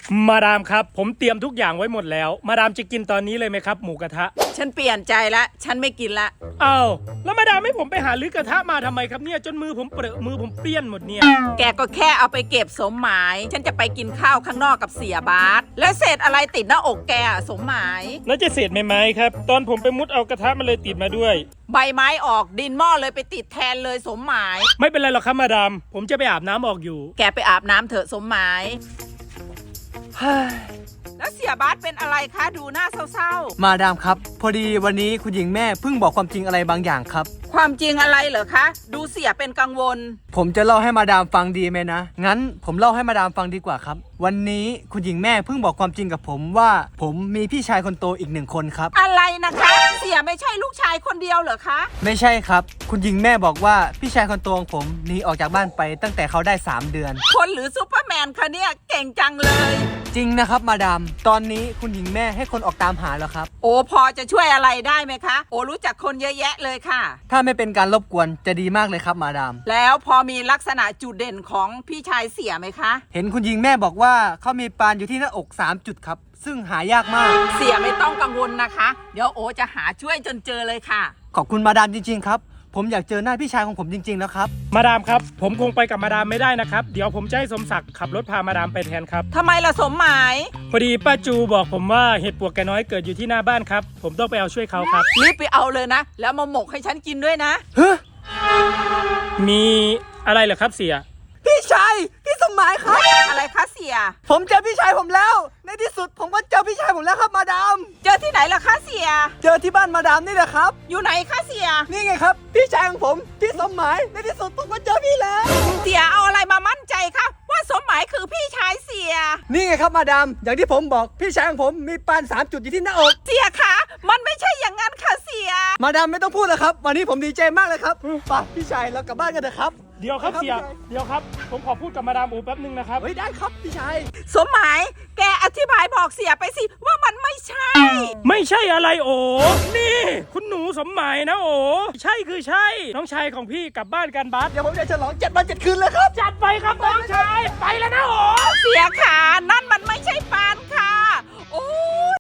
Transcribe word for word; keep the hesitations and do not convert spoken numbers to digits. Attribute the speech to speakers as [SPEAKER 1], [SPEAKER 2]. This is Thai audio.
[SPEAKER 1] มาดามครับผมเตรียมทุกอย่างไว้หมดแล้วมาดามจะกินตอนนี้เลยไหมครับหมูกระทะ
[SPEAKER 2] ฉันเปลี่ยนใจละฉันไม่กินละ
[SPEAKER 1] อ้าวแล้วมาดามให้ผมไปหาลื้อกระทะมาทำไมครับเนี่ยจนมือผมเปรอะมือผมเปี้ยนหมดเนี่ย
[SPEAKER 2] แกก็แค่เอาไปเก็บสมหมายฉันจะไปกินข้าวข้างนอกกับเสียบาสแล้วเศษอะไรติดหน้าอกแกสมหมาย
[SPEAKER 1] แล้วจะเศษไหมครับตอนผมไปมุดเอากระทะมันเลยติดมาด้วย
[SPEAKER 2] ใบไม้ออกดินหม้อเลยไปติดแทนเลยสมหมาย
[SPEAKER 1] ไม่เป็นไรหรอกครับมาดามผมจะไปอาบน้ำออกอยู่
[SPEAKER 2] แกไปอาบน้ำเถอะสมหมายแล้วเสียบาสเป็นอะไรคะดูหน้าเศร้า
[SPEAKER 3] ๆมาดามครับพอดีวันนี้คุณหญิงแม่เพิ่งบอกความจริงอะไรบางอย่างครับ
[SPEAKER 2] ความจริงอะไรเหรอคะดูเสียเป็นกังวล
[SPEAKER 3] ผมจะเล่าให้มาดามฟังดีไหมนะงั้นผมเล่าให้มาดามฟังดีกว่าครับวันนี้คุณหญิงแม่เพิ่งบอกความจริงกับผมว่าผมมีพี่ชายคนโตอีกหนึ่งคนครับ
[SPEAKER 2] อะไรนะคะเสียไม่ใช่ลูกชายคนเดียวเหรอคะ
[SPEAKER 3] ไม่ใช่ครับคุณหญิงแม่บอกว่าพี่ชายคนโตของผมหนีออกจากบ้านไปตั้งแต่เขาได้สามเดือน
[SPEAKER 2] คนหรือซูเปอร์แมนคะเนี่ยเก่งจังเลย
[SPEAKER 3] จริงนะครับมาดามตอนนี้คุณหญิงแม่ให้คนออกตามหาแล้วครับ
[SPEAKER 2] โอ้พอจะช่วยอะไรได้ไหมคะโอ้รู้จักคนเยอะแยะเลยค่ะ
[SPEAKER 3] ถ้าไม่เป็นการรบกวนจะดีมากเลยครับมาดาม
[SPEAKER 2] แล้วพอมีลักษณะจุดเด่นของพี่ชายเสียไหมคะ
[SPEAKER 3] เห็นคุณหญิงแม่บอกว่าเขามีปานอยู่ที่หน้าอกสามจุดครับซึ่งหายากมาก
[SPEAKER 2] เสียไม่ต้องกังวลนะคะเดี๋ยวโอจะหาช่วยจนเจอเลยค่ะ
[SPEAKER 3] ขอบคุณมาดามจริงๆครับผมอยากเจอหน้าพี่ชายของผมจริงๆแล้วครับ
[SPEAKER 1] มาดามครับผมคงไปกับมาดามไม่ได้นะครับเดี๋ยวผมจะให้สมศักดิ์ขับรถพามาดามไปแทนครับ
[SPEAKER 2] ทำไมล่ะสมหมาย
[SPEAKER 1] พอดีป้าจูบอกผมว่าเห็ดปวกแกน้อยเกิดอยู่ที่หน้าบ้านครับผมต้องไปเอาช่วยเขาครับ
[SPEAKER 2] รีบไปเอาเลยนะแล้วมาหมกให้ฉันกินด้วยนะ
[SPEAKER 3] เฮ้ย
[SPEAKER 1] มีอะไรเหรอครับเสีย
[SPEAKER 3] พี่ชายพี่สมหมายครับ
[SPEAKER 2] อะไรคะเสีย
[SPEAKER 3] ผมเจอพี่ชายผมแล้วในที่สุดผมก็เจอพี่ชายผมแล้วครับมาดาม
[SPEAKER 2] เจอที่ไหนล่ะคะเสีย
[SPEAKER 3] เจอที่บ้านมาดามนี่แหละครับ
[SPEAKER 2] อยู่ไหนคะเสีย
[SPEAKER 3] นี่ไงครับพี่ชายของผมพี่สมหมายในที่สุดผมก็เจอพี่แล้ว
[SPEAKER 2] เสียเอาอะไรมามั่นใจคะว่าสมหมายคือพี่ชายเสีย
[SPEAKER 3] นี่ไงครับมาดามอย่างที่ผมบอกพี่ชายของผมมีปานสามจุดอยู่ที่หน้าอก
[SPEAKER 2] เสียคะมันไม่ใช่อย่างนั้นค่ะเสีย
[SPEAKER 3] มาดามไม่ต้องพูดแล้วครับวันนี้ผมดีใจมากเลยครับป่ะพี่ชายเรากลับบ้านกันเถอะครับ
[SPEAKER 1] เดี๋ยวครับเสียเดี๋ยวครับผมขอพูดกับมาดามอูแป๊บนึงนะครับ
[SPEAKER 3] เฮ้ยได้ครับพี่ชาย
[SPEAKER 2] สมหมายแกอธิบายบอกเสียไปสิว่ามันไม่ใช่
[SPEAKER 1] ไม่ใช่อะไรโอ้นี่คุณหนูสมหมายนะโอ้ใช่คือใช่น้องชายของพี่กลับบ้านกันบัส
[SPEAKER 3] เดี๋ยวผมจะฉลองเจ็ดวันเจ็ดคืนเลยครับ
[SPEAKER 1] จัดไปครับน้องชายไปแล้วนะโอ้
[SPEAKER 2] เสียขานั่นมันไม่ใช่ปาน